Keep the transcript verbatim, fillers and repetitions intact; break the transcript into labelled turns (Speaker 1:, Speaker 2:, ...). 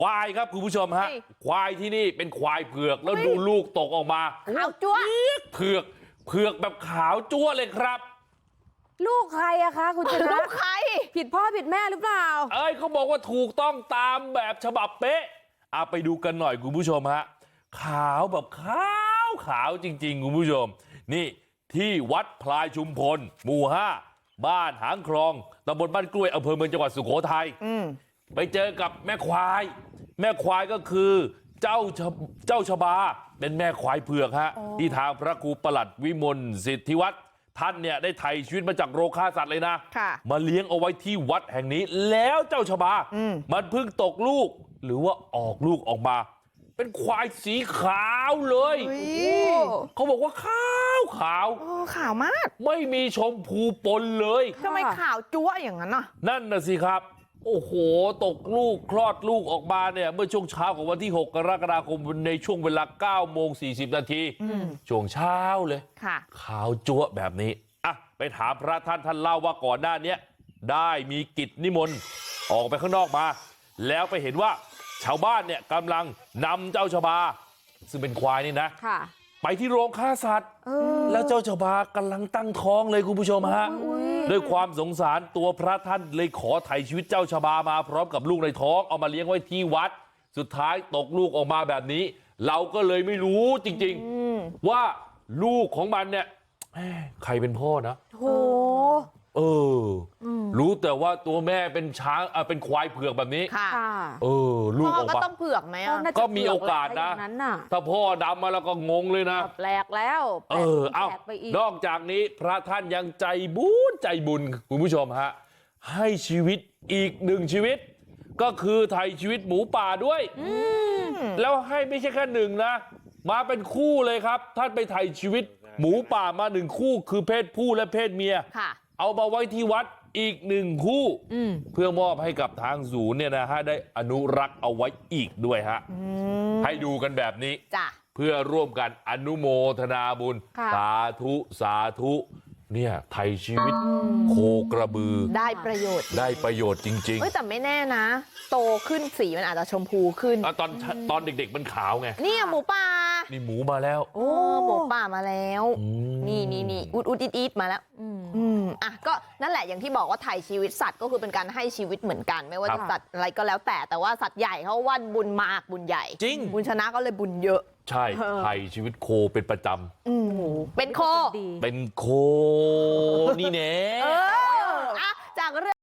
Speaker 1: ควายครับคุณผู้ชมฮะควายที่นี่เป็นควายเผือกแล้วดูลูกตกออกมา
Speaker 2: ขาวจั๊ว
Speaker 1: เผือกเผือกแบบขาวจั๊วเลยครับ
Speaker 3: ลูกใครอะคะคุณชนะ
Speaker 2: ลูกใคร
Speaker 3: ผิดพ่อผิดแม่หรือเปล่า
Speaker 1: เอ้ยเขาบอกว่าถูกต้องตามแบบฉบับเป๊ะเอาไปดูกันหน่อยคุณผู้ชมฮะขาวแบบขาวขาวจริงๆคุณผู้ชมนี่ที่วัดพลายชุมพลหมู่ห้าบ้านหางคลองตำบลบ้านกล้วยอำเภอเมืองจังหวัดสุโขทัยไปเจอกับแม่ควายแม่ควายก็คือเจ้าเจ้าชบาเป็นแม่ควายเผือกฮะที่ทางพระครูประหลัดวิมลสิทธิวัฒน์ท่านเนี่ยได้ไถ่ชีวิตมาจากโรคฆ่าสัตว์เลยนะมาเลี้ยงเอาไว้ที่วัดแห่งนี้แล้วเจ้าชบามันเพิ่งตกลูกหรือว่าออกลูกออกมาเป็นควายสีขาวเลยเขาบอกว่าขาวขาว
Speaker 2: ขาวมาก
Speaker 1: ไม่มีชมพูปนเลย
Speaker 2: ทำไมขาวจั๊วอย่างนั้นน่ะ
Speaker 1: นั่นน่ะสิครับโอ้โหตกลูกคลอดลูกออกมาเนี่ยเมื่อช่วงเช้าของวันที่หกกรกฎาคมในช่วงเวลาเก้าโมงสี่สิบนาทีช่วงเช้าเลยขาวจั๊วแบบนี้อ่ะไปถามพระท่านท่านเล่าว่าก่อนหน้านี้ได้มีกิจนิมนต์ออกไปข้างนอกมาแล้วไปเห็นว่าชาวบ้านเนี่ยกำลังนำเจ้าชบาซึ่งเป็นควายนี่นะไปที่โรงฆ่าสัตว์แล้วเจ้าชบากำลังตั้งท้องเลยคุณผู้ชมฮะด้วยความสงสารตัวพระท่านเลยขอไถ่ชีวิตเจ้าชบามาพร้อมกับลูกในท้องเอามาเลี้ยงไว้ที่วัดสุดท้ายตกลูกออกมาแบบนี้เราก็เลยไม่รู้จริงๆว่าลูกของมันเนี่ยใครเป็นพ่อนะ
Speaker 3: โห
Speaker 1: เออรู้แต่ว่าตัวแม่เป็นช้างเป็นควายเผือกแบบนี้
Speaker 2: ค่ะ
Speaker 1: เออลูกออกมา
Speaker 2: ก็ต้องเผือกไหมอ่ะ
Speaker 1: ก็มีโอกาสนะถ้าพ่อดำมาแล้วก็งงเลยนะ
Speaker 3: แปลกแล้ว
Speaker 1: เออเอ้านอกจากนี้พระท่านยังใจบุญใจบุญคุณผู้ชมฮะให้ชีวิตอีกหนึ่งชีวิตก็คือไถ่ชีวิตหมูป่าด้วยแล้วให้ไม่ใช่แค่หนึ่งนะมาเป็นคู่เลยครับท่านไปไถ่ชีวิตหมูป่ามาหนึ่งคู่คือเพศผู้และเพศเมียเอามาไว้ที่วัดอีกหนึ่งคู่เพื่อมอบให้กับทางศูนย์เนี่ยนะฮะได้อนุรักษ์เอาไว้อีกด้วยฮะให้ดูกันแบบนี้เพื่อร่วมกันอนุโมทนาบุญสาธุสาธุเนี่ยไถ่ชีวิตโคกระบือ
Speaker 2: ได้ประโยชน์
Speaker 1: ได้ประโยชน์จริงๆ
Speaker 2: เฮ้ยแต่ไม่แน่นะโตขึ้นสีมันอาจจะชมพูขึ้น
Speaker 1: ตอนตอนเด็กๆมันขาวไง
Speaker 2: นี่หมูป่า
Speaker 1: นี่หมูมาแล้ว
Speaker 2: โอ้หมูป่ามาแล้วนี่นี่นี่อุดอุดอิดอิดมาแล้วอืมอ่ะก็นั่นแหละอย่างที่บอกว่าไถ่ชีวิตสัตว์ก็คือเป็นการให้ชีวิตเหมือนกันไม่ว่าจะสัตว์อะไรก็แล้วแต่แต่ว่าสัตว์ใหญ่เขาว่าบุญมากบุญใหญ่
Speaker 1: จริง
Speaker 2: บุญชนะก็เลยบุญเยอะ
Speaker 1: ใช่ไถ่ชีวิตโคเป็นประจ
Speaker 2: ำเป็นโค
Speaker 1: เป็นโคนี่แน่
Speaker 2: จากเรื่อง